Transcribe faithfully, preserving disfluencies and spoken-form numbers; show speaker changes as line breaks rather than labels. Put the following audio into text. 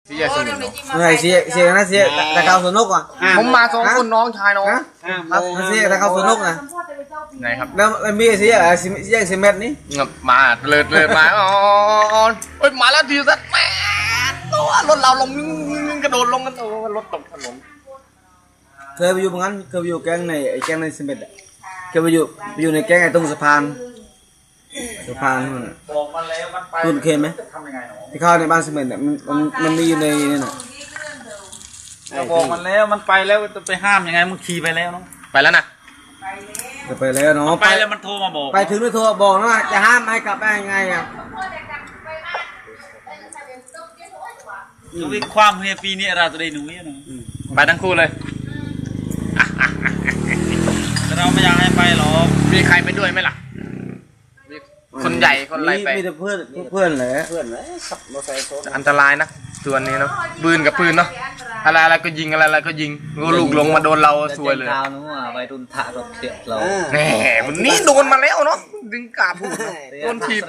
เสียสนุกเนาะ
เหนื่อยเสียเสียนะเสียแต่เขาสนุกอ่ะ
ผมมาสองคนน้องชายน้อง
ครับเสียแต่เขาสนุกนะ
ไหนครับ
แล้วมีเสียอะไรเสียเสียเม็ดนี่
งับมาเลิศเลิศมาอ๋อเฮ้ยมาแล้วทีสัตว์แม่ตัวรถเราลงกระโดดลงกันโอ้รถตกถนน
เคยไปอยู่เหมือนกันเคยไปอยู่แก๊งในไอ้แก๊งในเสียเม็ดอ่ะเคยไปอยู่ไปอยู่ในแก๊งไอ้ตรงสะพานสะพานนู่น
บอกมันแล้วมันไป
คุณเคยไหม
ทำยังไงหนอ
ที่เข้าในบ้านเสียเม็ดเนี่ยมันมันมันมีอยู่ในนี่น่ะ
บอกมันแล้วมันไปแล้วจะไปห้ามยังไงมึงขี่ไปแล้วเนาะ
ไปแล้วนะ
จะไปแล้วเนาะ
ไปแล้วมันโทรมาบอก
ไปถึงด้วยโทรบอกนะว่าจะห้ามให้กลับไปยังไงอ่ะ
ชีวิตความเฮียปีนี้เราจะได้หนุ่ยเนาะ
ไปทั้งคู่เลย
แต่เราไม่อยากให้ไปหรอก
มีใครไปด้วยไหมล่ะมีคนใหญ่คนอะไรไป
มีแต่เพื่อนเพื่อนแหละ
อันตรายนะตัวนี้เนาะปืนกับปืนเนาะอะไรอะไรก็ยิงอะไรอะไรก็ยิงงูลูกลงมาโดนเราซวยเลย
ข่าวนู้นอ่ะไปดุนทะรถเสียเรา
แหมวันนี้โดนมาแล้วเนาะดึงกาบโดนถีบ